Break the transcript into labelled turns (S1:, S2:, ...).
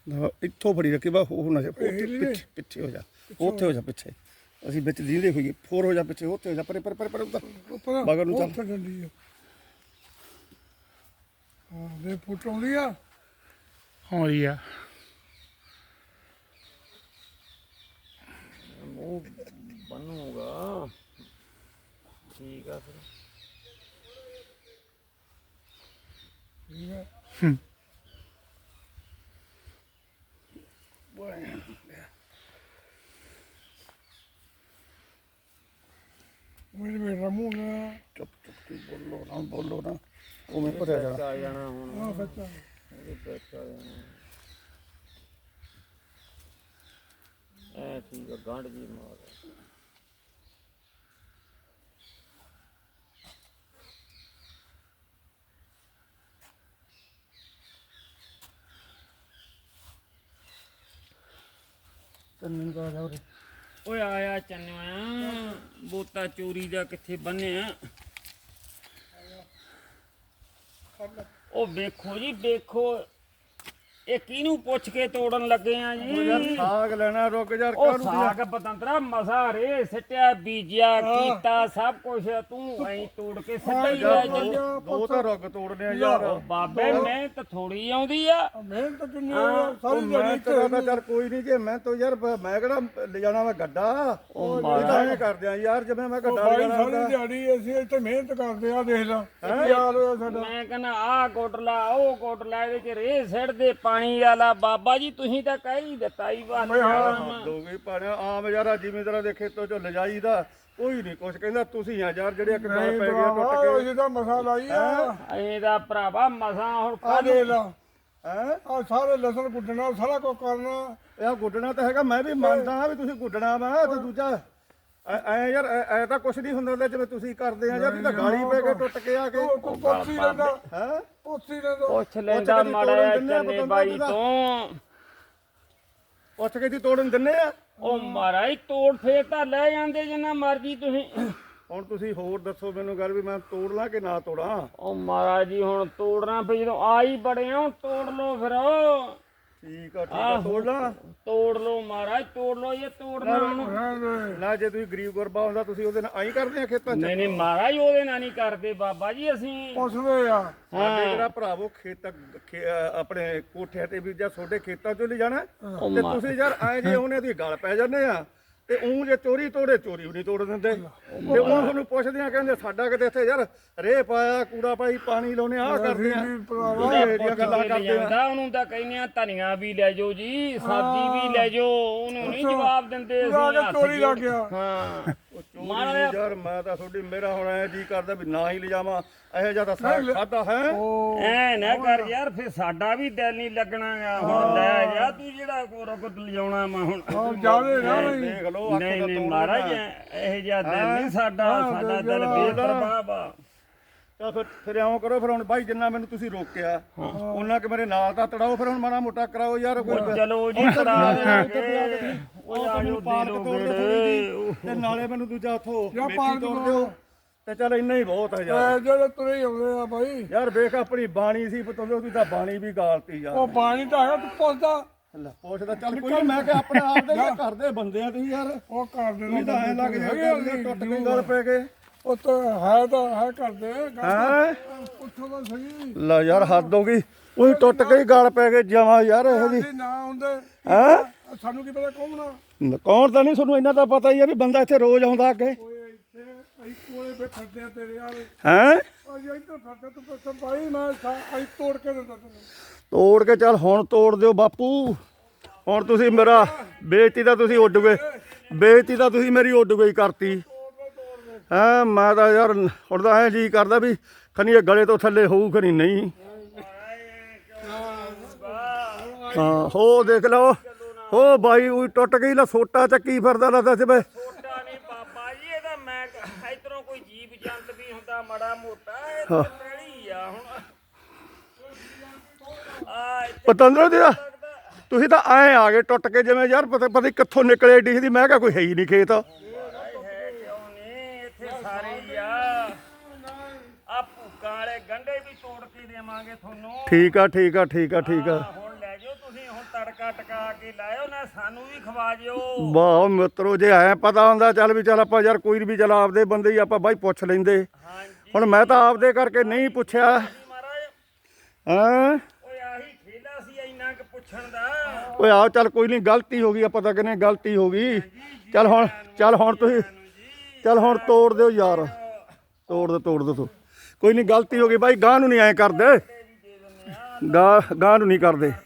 S1: ਇੱਥੋਂ ਫੜੀ ਰੱਖੀ ਬਾ ਉਹ ਨਾ ਪਿੱਛੇ ਹੋ ਜਾ ਉੱਥੇ ਹੋ ਜਾ ਪਿੱਛੇ ਅਸੀਂ ਵਿੱਚ ਦੀਂਦੇ ਹੋਈਏ ਫੋਰ ਹੋ ਜਾ ਪਿੱਛੇ ਉੱਥੇ ਹੋ ਜਾ ਪਰੇ ਪਰੇ ਪਰੇ ਉੱਧਰ ਬਾਗਰ ਨੂੰ ਚੱਲ
S2: ਹਾਂ ਦੇ ਫੁੱਟ ਆਉਂਦੀ ਆ
S3: ਆਉਂਦੀ ਆ
S4: ਮੂੰਹ ਬਣੂਗਾ ਠੀਕ ਆ ਫਿਰ
S2: ਠੀਕ ਆ ਮੇਰੇ ਬੇਟਾ ਮੂੰਹ ਨਾ
S1: ਚੁੱਪ ਬੋਲੋ ਨਾ ਉਹ ਮੈਂ ਭਰਿਆ ਜਾਣਾ
S4: ਆ ਜਾਣਾ ਹੁਣ
S2: ਆ ਬੱਚਾ
S4: ਇਹਦੇ ਵਿੱਚ ਆ ਜਾਣਾ ਐ ਠੀਕ ਆ ਗੰਢ ਜੀ ਮਾਰ
S1: ਤੈਨੂੰ ਕਾ ਜਾ ਉਰੇ
S4: ਓਏ ਆਇਆ ਚੰਨਿਆ ਬੋਤਾ ਚੋਰੀ ਦਾ ਕਿੱਥੇ ਬੰਨਿਆ ਉਹ ਵੇਖੋ ਜੀ ਵੇਖੋ ਇਹ ਕਿਹਨੂੰ ਪੁੱਛ ਕੇ ਤੋੜਨ ਲੱਗੇ ਆ ਜੀ
S1: ਯਾਰ ਸਾਗ ਲੈਣਾ ਰੁਕ ਯਾਰ
S4: ਉਹ ਸਾਗ ਪਤੰਤਰਾ ਮਸਾ ਰੇ ਸਿੱਟਿਆ ਬੀਜਿਆ ਕੀਤਾ ਸਭ ਕੁਝ ਤੂੰ ਐਂ ਤੋੜ ਕੇ ਸਿੱਟਾ ਹੀ ਲੈ ਚੱਲ
S1: ਦੋ ਤਾਂ ਰੁੱਗ ਤੋੜਨੇ ਆ ਯਾਰ
S4: ਉਹ ਬਾਬੇ ਮਿਹਨਤ ਥੋੜੀ ਆਉਂਦੀ ਆ
S2: ਮਿਹਨਤ ਕਿੰਨੀ ਆ ਸਾਰੀ
S1: ਮੈਂ
S2: ਦਿਹਾੜੀ
S1: ਤਾਂ ਚੱਲ ਕੋਈ ਨਹੀਂ ਜੇ ਮੈਂ ਤਾਂ ਯਾਰ ਮੈਂ ਕਿਹੜਾ ਲੈ ਜਾਣਾ ਵਾ ਗੱਡਾ ਉਹ ਤਾਂ ਐਂ ਕਰਦੇ ਆ ਯਾਰ ਜਿਵੇਂ ਮੈਂ ਗੱਡਾ ਲੈ
S2: ਬਾਈ
S1: ਜਾਣਾ
S2: ਸਾਰੀ ਦਿਹਾੜੀ ਅਸੀਂ ਇੱਥੇ ਮਿਹਨਤ ਕਰਦੇ ਆ ਦੇਖ ਲਾ ਯਾਰ ਹੋਇਆ ਸਾਡਾ
S4: ਮੈਂ ਕਹਿੰਦਾ ਆਹ ਕੋਟਲਾ ਉਹ ਕੋਟਲਾ ਇਹਦੇ ਚ ਰੇ ਸਿੱਟਦੇ ਪਾਣੀ ਵਾਲਾ ਬਾਬਾ ਜੀ ਤੁਸੀਂ ਤਾਂ ਕਹਿ ਹੀ ਦਿੱਤਾ ਹੀ
S1: ਦੋ ਗਈ ਪਾਣਿਆ ਆਮ ਯਾਰ ਜ਼ਿਮੀਂਦਾਰਾਂ ਦੇ ਖੇਤੋਂ ਚੋਂ ਲਿਜਾਈਦਾ ਕੋਈ ਨਹੀਂ ਕੁਛ ਕਹਿੰਦਾ ਤੁਸੀਂ ਆ ਯਾਰ ਜਿਹੜੇ ਇੱਕ ਗੱਲ ਪੈ ਗਿਆ ਟੁੱਟ ਕੇ
S2: ਅਸੀਂ ਤਾਂ ਮਸਾ ਲਾਈ ਆ
S4: ਇਹਦਾ ਭਰਾਵਾ ਮਸਾਂ ਹੁਣ
S2: ਆ ਦੇਖ ਲਾ
S1: ਹੈ
S2: ਆ ਸਾਰੇ ਲਸਣ ਗੁੱਡਣਾ ਸਾਰਾ ਕੁਝ ਕਰਨਾ
S1: ਇਹ ਗੁੱਡਣਾ ਤਾਂ ਹੈਗਾ ਮੈਂ ਵੀ ਮੰਨਦਾ ਹਾਂ ਵੀ ਤੁਸੀਂ ਗੁੱਡਣਾ ਵਾ ਤੇ ਦੂਜਾ ਐ ਯਾਰ ਐ ਤਾਂ ਕੁਛ ਨਹੀਂ ਹੁੰਦਾ ਜਿਵੇਂ ਤੁਸੀਂ ਕਰਦੇ ਆ ਯਾਰ ਇਹ ਤਾਂ ਗਾਲੀ ਪੈ ਕੇ ਟੁੱਟ ਕੇ ਆ ਕੇ
S2: ਤੂੰ ਪੁੱਛੀ ਲੈਂਦਾ
S1: ਹੈ
S2: ਪੁੱਛੀ ਲੈਂਦਾ
S4: ਪੁੱਛ ਲੈਂਦਾ ਮਾੜਾ ਜਿਹਾ ਚੰਨੇ ਬਾਈ ਤੋਂ
S1: ਪੁੱਛ ਕੇ ਦੀ ਤੋੜਨ ਦਿੰਨੇ ਆ
S4: ਉਹ ਮਹਾਰਾਜ ਤੋੜ ਫੇਰ ਤਾਂ ਲੈ ਜਾਂਦੇ ਜਿੰਨਾ ਮਰਜੀ ਤੁਸੀਂ
S1: ਹੁਣ ਤੁਸੀਂ ਹੋਰ ਦੱਸੋ ਮੈਨੂੰ ਗੱਲ ਵੀ ਮੈਂ ਤੋੜ ਲਾਂ ਕਿ ਨਾ ਤੋੜਾਂ
S4: ਉਹ ਮਹਾਰਾਜ ਜੀ ਹੁਣ ਤੋੜਨਾ ਫੇ ਜਦੋਂ ਆ ਹੀ ਬੜੇ ਹੋ ਤੋੜ ਲੋ ਫਿਰ
S1: ਠੀਕ ਆ ਤੋੜ ਲਾਂ
S4: ਤੋੜ ਲੋ ਮਹਾਰਾਜ ਤੋੜ ਲੋ ਇਹ ਤੋੜਨਾ ਉਹਨੂੰ
S1: ਨਾ ਜੇ ਤੁਸੀਂ ਗਰੀਬ ਗੁਰਬਾ ਹੁੰਦਾ ਤੁਸੀਂ ਉਹਦੇ ਨਾਲ ਆਈ ਕਰਦੇ ਆ ਖੇਤਾਂ 'ਚ
S4: ਨਹੀਂ ਨਹੀਂ ਮਹਾਰਾਜ ਉਹਦੇ ਨਾਲ ਨਹੀਂ ਕਰਦੇ ਬਾਬਾ ਜੀ ਅਸੀਂ
S2: ਪੁੱਛਦੇ ਆ
S1: ਸਾਡੇ ਜਿਹੜਾ ਭਰਾਵੋ ਆਪਣੇ ਕੋਠਿਆਂ ਤੇ ਵੀ ਜਾਂ ਤੁਹਾਡੇ ਖੇਤਾਂ 'ਚੋਂ ਲੈ ਜਾਣਾ ਤੇ ਤੁਸੀਂ ਯਾਰ ਐ ਜੇ ਉਹਨੇ ਦੀ ਗਲ ਪੈ ਜਾਂਦੇ ਆ ਤੇ ਉਹ ਜੇ ਚੋਰੀ ਤੋੜੇ ਚੋਰੀ ਵੀ ਨਹੀਂ ਤੋੜ ਦਿੰਦੇ ਤੇ ਉਹ ਤੁਹਾਨੂੰ ਪੁੱਛਦੇ ਆ ਕਹਿੰਦੇ ਸਾਡਾ ਕਿਤੇ ਇੱਥੇ ਯਾਰ ਰੇਹ ਪਾਇਆ ਕੂੜਾ ਪਾਈ ਪਾਣੀ ਲਾਉਨੇ ਆ ਕਰਦੇ ਆ ਇਹਦੀਆਂ ਗੱਲਾਂ ਕਰਦੇ ਆ
S4: ਉਹਨੂੰ ਤਾਂ ਕਹਿੰਦੇ ਆ ਧਨੀਆ ਵੀ ਲੈ ਜਾਓ ਜੀ ਸਬਜ਼ੀ ਵੀ ਲੈ ਜਾਓ ਉਹਨੂੰ ਨਹੀਂ ਜਵਾਬ ਦਿੰਦੇ ਅਸੀਂ
S2: ਚੋਰੀ ਲੱਗ ਗਿਆ
S4: ਹਾਂ
S1: ਚੋਰੀ ਯਾਰ ਮੈਂ ਤਾਂ ਤੁਹਾਡੀ ਮੇਰਾ ਹੁਣ ਐ ਜੀ ਕਰਦਾ ਵੀ ਨਾ ਹੀ ਲਿਜਾਵਾਂ ਇਹੋ ਜਿਹਾ ਤਾਂ ਸਾਗ ਖਾਦਾ ਹੈ
S4: ਐ ਨਾ ਕਰ ਯਾਰ ਫਿਰ ਸਾਡਾ ਵੀ ਦਿਲ ਨਹੀਂ ਲੱਗਣਾਗਾ ਹੁਣ ਲੈ ਜਾ ਤੂੰ ਜਿਹੜਾ ਕੋਰਕਤ ਲਿਜਾਉਣਾ ਮੈਂ ਹੁਣ
S2: ਜਾਵੇ ਨਾ
S1: ਦੇਖ ਲਓ
S4: ਨਹੀਂ ਨਹੀਂ ਮਹਾਰਾਜ ਇਹ ਜਿਹਾ ਦਿਲ ਨਹੀਂ ਸਾਡਾ ਦਿਲ ਬੇਪਰਵਾਹ ਵਾ
S1: ਤਾਂ ਫਿਰ ਇਉਂ ਕਰੋ ਫਿਰ ਹੁਣ ਬਾਈ ਜਿੰਨਾ ਮੈਨੂੰ ਤੁਸੀਂ ਰੋਕਿਆ ਉਹਨਾਂ ਕਿ ਮੇਰੇ ਨਾਲ ਤਾਂ ਤੜਾਓ ਫਿਰ ਹੁਣ ਮਾੜਾ ਮੋਟਾ ਕਰਾਓ ਯਾਰ ਕੋਈ
S4: ਚਲੋ ਜੀ ਕਰਾ ਦੇਣਗੇ ਉਹ ਆ ਜੋ ਦੇ ਲੋ ਬੇੜੇ
S1: ਤੇ ਨਾਲੇ ਮੈਨੂੰ ਦੂਜਾ ਉਥੋਂ ਮੇਥੀ ਤੋੜ ਦਿਓ ਤੇ ਚਲ ਇੰਨਾ ਹੀ ਬਹੁਤ ਹੈ ਯਾਰ
S2: ਜਿਹੜੇ ਤੁਰੇ ਆਉਂਦੇ ਆ ਬਾਈ
S1: ਯਾਰ ਵੇਖ ਆਪਣੀ ਬਾਣੀ ਸੀ ਪਤੰਦੋ ਤੂੰ ਤਾਂ ਬਾਣੀ ਵੀ ਗਾਲਤੀ ਯਾਰ
S2: ਉਹ ਪਾਣੀ ਤਾਂ ਹੈਗਾ ਤੂੰ ਪੁੱਛਦਾ
S1: ਲੈ ਪੁੱਛਦਾ ਚੱਲ ਕੋਈ ਨੀ, ਮੈਂ ਕਿ ਆਪਣੇ ਆਪ ਦੇ ਘਰ ਦੇ ਬੰਦੇ ਆ ਤੁਸੀਂ ਯਾਰ
S2: ਉਹ ਕਰਦੇ
S1: ਤੁਸੀਂ ਤਾਂ ਐਂ ਲੱਗ ਜਾਂਦੇ ਟੁੱਟ ਕੇ ਗੱਲ ਪੈ ਗਏ
S2: ਉਹ ਤਾਂ ਹੈ ਕਰਦੇ
S1: ਹੈ
S2: ਪੁੱਛੋ ਤਾਂ ਸਹੀ
S1: ਲੈ ਯਾਰ ਹੱਦ ਹੋ ਗਈ ਉਹੀ ਟੁੱਟ ਕੇ ਹੀ ਗੱਲ ਪੈ ਗਏ ਜਮਾ ਯਾਰ ਇਹੋ ਜੀ
S2: ਨਾ ਹੁੰਦੇ
S1: ਹੈ
S2: ਸਾਨੂੰ ਕੀ ਪਤਾ ਕੌਣ ਆ
S1: ਕੌਣ ਤਾਂ ਨਹੀਂ ਤੁਹਾਨੂੰ ਇੰਨਾ ਤਾਂ ਪਤਾ ਹੀ ਆ ਵੀ ਬੰਦਾ ਇੱਥੇ ਰੋਜ਼ ਆਉਂਦਾ ਅੱਗੇ
S2: ਓਏ ਇੱਥੇ ਅਸੀਂ ਕੋਲੇ ਬੈਠਦੇ ਆ ਤੇਰੇ ਵਾਲੇ
S1: ਹੈ
S2: ਅਸੀਂ ਇੱਧਰ ਫਿਰਦੇ ਤੂੰ ਪੁੱਛ ਭਾਈ ਮੈਂ ਅਸੀਂ ਤੋੜ ਕੇ ਦਿੰਦਾ ਤੈਨੂੰ
S1: ਤੋੜ ਕੇ ਚੱਲ ਹੁਣ ਤੋੜ ਦਿਓ ਬਾਪੂ ਹੁਣ ਤੁਸੀਂ ਮੇਰਾ ਬੇਇੱਜ਼ਤੀ ਤਾਂ ਤੁਸੀਂ ਉੱਡ ਗਏ ਬੇਇੱਜ਼ਤੀ ਤਾਂ ਤੁਸੀਂ ਮੇਰੀ ਉੱਡ ਗਈ ਕਰਤੀ ਹੈਂ ਮੈਂ ਤਾਂ ਯਾਰ ਹੁਣ ਤਾਂ ਐਂ ਜੀ ਕਰਦਾ ਵੀ ਖਨੀ ਇਹ ਗਲੇ ਤੋਂ ਥੱਲੇ ਹੋਊ ਖਨੀ ਨਹੀਂ ਹਾਂ ਹੋ ਦੇਖ ਲਓ ਹੋ ਬਾਈ ਉਹ ਟੁੱਟ ਗਈ ਲਾ ਸੋਟਾ ਚੱਕੀ ਫਿਰਦਾ ਲੱਗਦਾ ਸੀ ਬਈ
S4: ਛੋਟਾ ਨਹੀਂ ਬਾਬਾ ਜੀ ਇਹਦਾ ਮੈਂ ਇਧਰੋਂ ਕੋਈ ਜੀਵ ਜੰਤ ਵੀ ਹੁੰਦਾ ਮਾੜਾ ਮੋਟਾ ਇਹ ਤਾਂ ਪੈਲੀ ਆ ਹੁਣ
S1: ਪਤੰਦਰ ਦੀ ਤੁਸੀਂ ਤਾਂ ਐਂ ਆ ਗਏ ਟੁੱਟ ਕੇ ਜਿਵੇਂ ਯਾਰ ਪਤਾ ਕਿੱਥੋਂ ਨਿਕਲੇ ਏਡੀ ਦੀ ਮੈਂ ਕਿਹਾ ਕੋਈ ਹੈ ਹੀ ਨਹੀਂ ਖੇਤ
S4: ਇੱਥੇ ਸਾਰੇ ਹੀ ਆ ਭੁੱਕਾਂ ਵਾਲੇ ਗੰਢੇ ਵੀ ਤੋੜ ਕੇ ਦੇਵਾਂਗੇ ਤੁਹਾਨੂੰ
S1: ਠੀਕ ਆ ਠੀਕ ਆ ਠੀਕ ਆ ਠੀਕ ਆ
S4: ਹੁਣ ਲੈ ਜਾਓ ਤੁਸੀਂ ਹੁਣ ਤੜਕਾ ਟਕਾ ਟਕਾ ਕੇ ਲਾਇਓ ਨਾ ਸਾਨੂੰ ਵੀ ਖਵਾ ਜਿਓ
S1: ਵਾਹ ਮਿੱਤਰੋ ਜੇ ਐ ਪਤਾ ਹੁੰਦਾ ਚੱਲ ਵੀ ਚੱਲ ਆਪਾਂ ਯਾਰ ਕੋਈ ਵੀ ਚੱਲ ਆਪਦੇ ਬੰਦੇ ਹੀ ਆਪਾਂ ਬਾਈ ਪੁੱਛ ਲੈਂਦੇ।
S4: ਹਾਂਜੀ
S1: ਹੁਣ ਮੈਂ ਤਾਂ ਆਪਦੇ ਕਰਕੇ ਨਹੀਂ ਪੁੱਛਿਆ।
S4: ਮਹਾਰਾਜ
S1: ਹਾਂ
S4: ਓਏ ਆਹੀ ਖੇਲਾ ਸੀ ਇੰਨਾ ਕਿ ਪੁੱਛਣ ਦਾ।
S1: ਓਏ ਆਓ ਚੱਲ ਕੋਈ ਨਹੀਂ ਗਲਤੀ ਹੋ ਗਈ ਆਪਾਂ ਤਾਂ ਕਹਿੰਦੇ ਗਲਤੀ ਹੋ ਗਈ। ਚੱਲ ਹੁਣ ਤੁਸੀਂ ਚੱਲ ਹੁਣ ਤੋੜ ਦਿਓ ਯਾਰ ਤੋੜ ਦਿਓ ਕੋਈ ਨਹੀਂ ਗਲਤੀ ਹੋ ਗਈ ਬਾਈ ਗਾਂ ਨੂੰ ਨਹੀਂ ਐਂ ਕਰਦੇ ਗਾਂ ਨੂੰ ਨਹੀਂ ਕਰਦੇ।